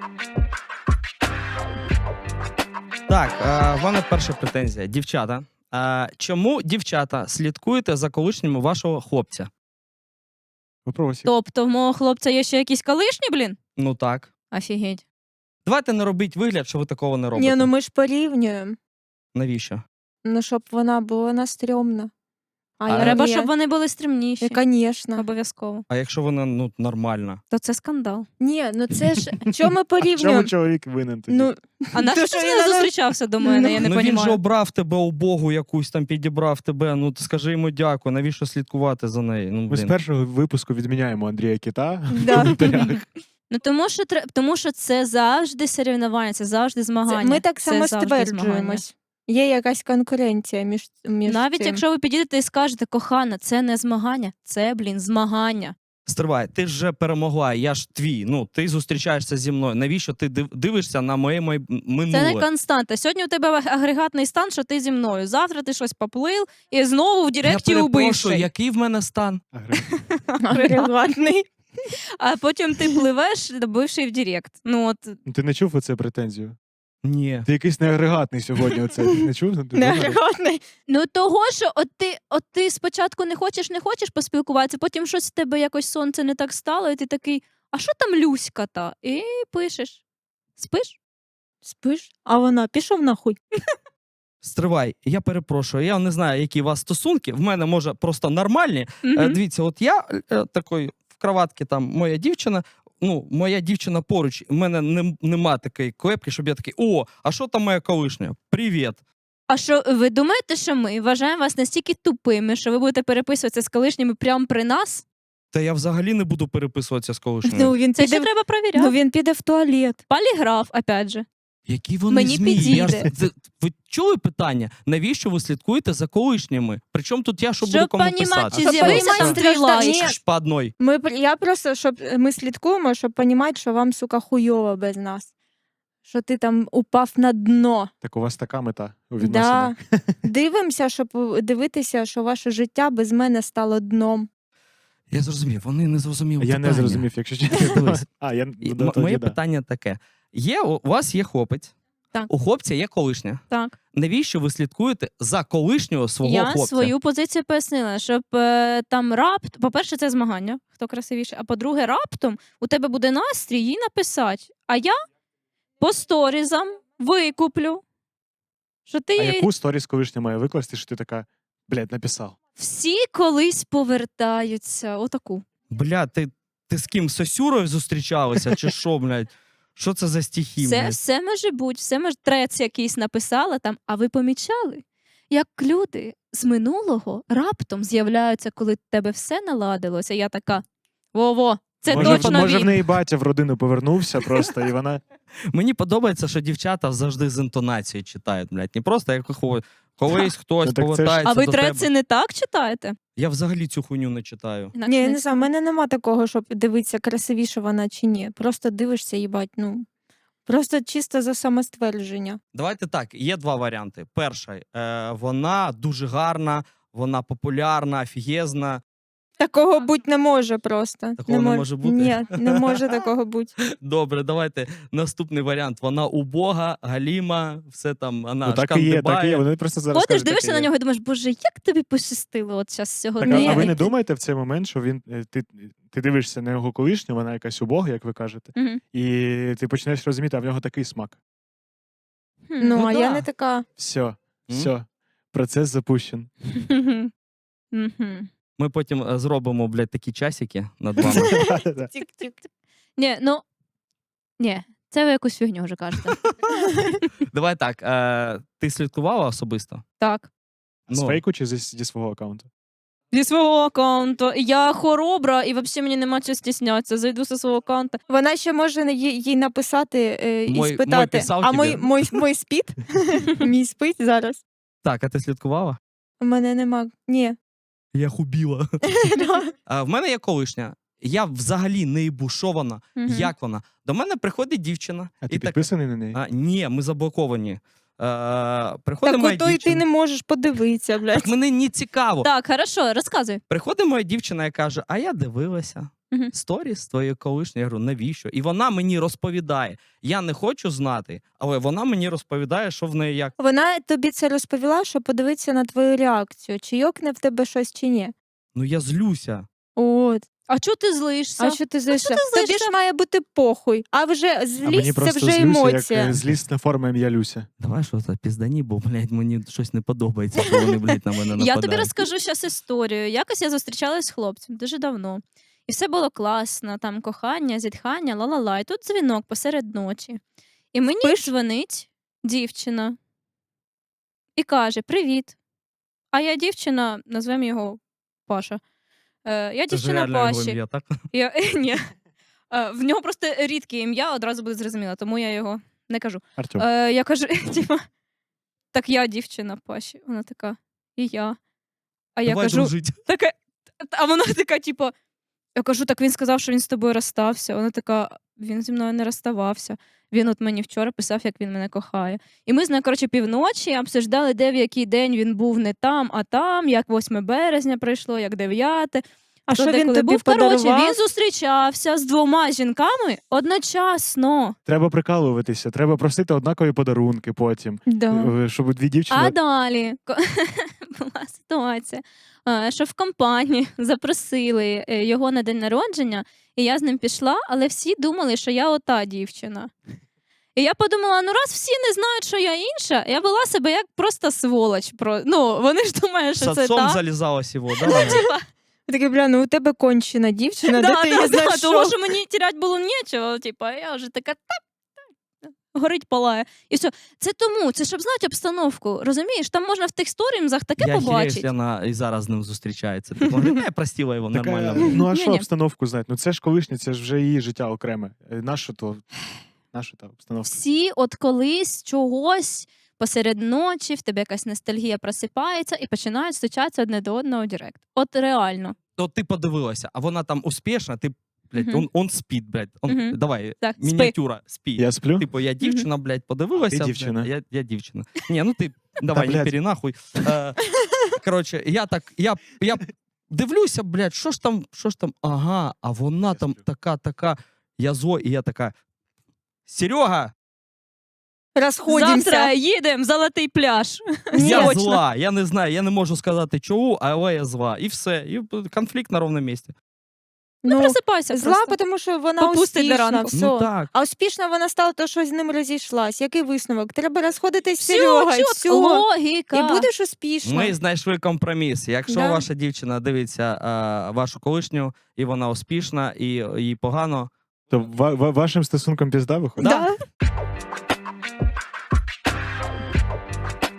Так, в мене перша претензія. Дівчата. Чому, дівчата, слідкуєте за колишнім вашого хлопця? Вопросик. Тобто в мого хлопця є ще якісь колишні, блін? Ну так. Офігеть. Давайте не робіть вигляд, що ви такого не робите. Ні, ну ми ж порівнюємо. Навіщо? Ну, щоб вона стрьомна. Треба, ні. щоб вони були стримніші. Звісно. Обов'язково. А якщо вона, нормальна? То це скандал. Ні, ну це ж, чому ми Чому порівнюємо? чоловік винен тоді? Ну, А на що що ти я не на- зустрічався до мене? Я не він же розумію. обрав тебе убогу якусь, там підібрав тебе, ну скажи йому дякую, навіщо слідкувати за нею? Ну, Ми з блін. першого випуску відміняємо Андрія Кіта в Да. коментарях. Ну тому що це завжди соревнування, це завжди змагання. ми так Це само завжди змагання. стверджуємось. Є якась конкуренція між Навіть цим. якщо ви підійдете і скажете, кохана, це не змагання, це, змагання. Стривай, ти ж вже перемогла, я ж твій, ну ти зустрічаєшся зі мною. Навіщо ти дивишся на моє минуле? Це не константа. Сьогодні у тебе агрегатний стан, що ти зі мною. Завтра ти щось поплив і знову в Я директі перепрошую, убивший. який в мене стан? Агрегатний. А потім ти пливеш, добивши в директ. Ну от Ну, ти не чув оце претензію? Ні. Ти якийсь неагрегатний сьогодні. Оце. Не чув? Ти Не думаєш? агрегатний. ну того, що от ти спочатку не хочеш поспілкуватися, потім щось в тебе якось сонце не так стало, і ти такий, а що там Люська та? І пишеш. Спиш? Спиш? А вона пішов нахуй. Стривай, я перепрошую, я не знаю, які у вас стосунки, в мене, може, просто нормальні. Мгм. Дивіться, от я такий в кроватці, там, моя дівчина поруч, в мене нема такої клепки, щоб я такий, о, а що там моя колишня? Привіт. А що, ви думаєте, що ми вважаємо вас настільки тупими, що ви будете переписуватися з колишніми прямо при нас? Та я взагалі не буду переписуватися з колишньою. Ну, він Це піде, ще треба перевіряти. ну, він піде в туалет. Поліграф, опять же. Які вони Мені змії? підійде. Ви чули питання? Навіщо ви слідкуєте за колишніми? Причому тут я що буду Щоб кому понімати, писати? чи Щоб з'явився понімати, там твій страждання. лайк. Ні. По одной. Я просто, щоб ми слідкуємо, щоб розуміти, що вам, сука, хуйово без нас. Що ти там упав на дно. Так у вас така мета у Да. відносинах. Дивимося, щоб дивитися, що ваше життя без мене стало дном. Я зрозумів, вони не зрозуміли Я питання. не зрозумів, якщо чесно. Дивись. А, Моє питання таке. У вас є хлопець, Так. у хлопця є колишня. Так. Навіщо ви слідкуєте за колишнього свого Я хлопця? свою позицію пояснила, щоб там по-перше, це змагання, хто красивіше, а по-друге, раптом у тебе буде настрій їй написати, а я по сторізам викуплю, що ти А їй яку сторіс колишня має викласти, що ти така, блядь, написав? всі колись повертаються. Отаку. Бля, ти з ким? З Сосюрою зустрічалася чи що, блядь? Що це за стихи, Все, блядь? все може бути, трец якийсь написала там, а ви помічали, як люди з минулого раптом з'являються, коли в тебе все наладилося. Я така, во-во, це точно може в він. неї батя в родину повернувся просто, і вона... Мені подобається, що дівчата завжди з інтонацією читають, блядь. Не просто як колись хтось Ну, так це ж- повертається А ви до треці тебе. не так читаєте? Я взагалі цю хуйню не читаю. Інакше Ні, я не не знаю, в мене нема такого, щоб дивитися, красивіша вона чи ні. Просто дивишся, їбать, ну. Просто чисто за самоствердження. Давайте так, є два варіанти. Перший, вона дуже гарна, вона популярна, офігезна. Такого бути не може просто. Такого не може бути? Ні, не може такого бути. Добре, давайте наступний варіант. Вона убога, галіма, все там, вона Ну так і є, так і є. шкандибає. Вони просто зараз Ходиш, кажуть, дивишся так і на є. нього і думаєш, боже, як тобі пощастило от зараз Так, сьогодні. а ви не думаєте в цей момент, що ти дивишся на його колишню, вона якась убога, як ви кажете, Мгм. і ти починаєш розуміти, а в нього такий смак. Хм. Ну, а да. я не така. Все, процес запущен. Мгм. Ми потім зробимо, блядь, такі часики над вами. Тік-тік. Ні, це ви якусь фігню вже кажете. Давай так, ти слідкувала особисто? Так. З Ну. фейку чи зі свого аккаунту? Зі свого аккаунту. Я хоробра, і взагалі мені нема чого стіснятися. Зайду зі свого аккаунту. Вона ще може їй написати і Мой спитати, писав а тобі?» мой спить? Мій спить зараз? Так, а ти слідкувала? У мене нема. Ні. Я хубіла. В мене є колишня. Я взагалі не ібушована. Мгм. Як вона? До мене приходить дівчина. А ти і так, підписаний на неї? ні, ми заблоковані. Приходить Так моя ото і ти дівчина. не можеш подивитися, блядь. Так мені не цікаво. Так, хорошо, розказуй. Приходить моя дівчина і каже: а я дивилася Мгм. сторіс твоєї колишньої. Я говорю, навіщо? І вона мені розповідає. Я не хочу знати, але вона мені розповідає, що в неї як. Вона тобі це розповіла, щоб подивитися на твою реакцію, чи йокне в тебе щось, чи ні. Ну я злюся. От. А чого ти злишся? А що ти злишся? ти Тобі злишся? ж має бути похуй. А вже А мені злість це просто вже злюся, емоція. як злісна форма ім'я Люся. Давай що це піздані, бо, блядь, мені щось не подобається, коли вони, блядь, на мене нападають. Я тобі розкажу зараз історію. Якось я зустрічалась з хлопцем дуже давно. І все було класно, там кохання, зітхання, ла-ла-ла. І тут дзвінок посеред ночі. І мені дзвонить дівчина і каже: Привіт. А я дівчина, назвемо його Паша. Я Це ж дівчина реально його Паші. ім'я, так? Ні. В нього просто рідке ім'я, одразу буде зрозуміло, тому я його не кажу. Артем. Я кажу, типа, так я дівчина Паші. Вона така, і я. А я Давай кажу, дружить. така, а вона така, типу, я кажу, так він сказав, що він з тобою розстався. Вона така, він зі мною не розставався. Він от мені вчора писав, як він мене кохає. І ми з нею, коротше, півночі обсуждали, де в який день він був не там, а там, як 8 березня прийшло, як 9. А хто що де він коли тобі був. Коротше, подарував? він зустрічався з 2 жінками одночасно. Треба прикалуватися, треба просити однакові подарунки потім. Да. Щоб дві дівчини. А далі була ситуація, що в компанії запросили його на день народження, і я з ним пішла, але всі думали, що я ота дівчина. І я подумала, ну раз всі не знають, що я інша, я вела себе як просто сволоч. Ну, вони ж думають, З що це отцом так. залізалась його, да? Таке, бля, ну у тебе кончена дівчина, де ти її знайшов? Тому що мені тірять було нічого, типа, я вже така горить, палає. І все. Це тому, це щоб знати обстановку. Розумієш, там можна в тих сторінзах таке Я хірею, побачити. що вона і зараз з ним зустрічається. Ти говориш, я простила його Така, нормально. ну а що Ні-ні. обстановку знати? Ну це ж колишнє, це ж вже її життя окреме. Нащо та обстановка? Всі от колись чогось посеред ночі, в тебе якась ностальгія просипається і починають стучатися одне до одного в директ. От реально. От ти подивилася, а вона там успішна, ти, блядь, Мгм. он спить, блядь. Мгм. Давай, Так, спи. мініатюра, спи. Я сплю? Типу, я дівчина, блядь, подивилася. Ти дівчина. блядь, я дівчина. Ні, ну ти давай, не блядь. перенахуй. Коротше, я дивлюся, блядь, що ж там, ага, а вона Я там сплю. така, я зло, і я така, Серега, Розходимося. Завтра їдемо в Золотий пляж. я Срочно. зла, я не знаю, я не можу сказати чого, але я зла. І все, і конфлікт на ровному місці. Ну, Просипайся зла, просто. тому що вона Попустить до успішна, ранку. все. Ну так. А успішна вона стала, то що з ним розійшлась. Який висновок? Треба розходитись з Все, Серегою, чітко, все. логіка. І будеш успішна. Ми знайшли компроміс. Якщо Да. ваша дівчина дивиться вашу колишню, і вона успішна, і їй погано, То вашим стосунком пізда виходить? Да.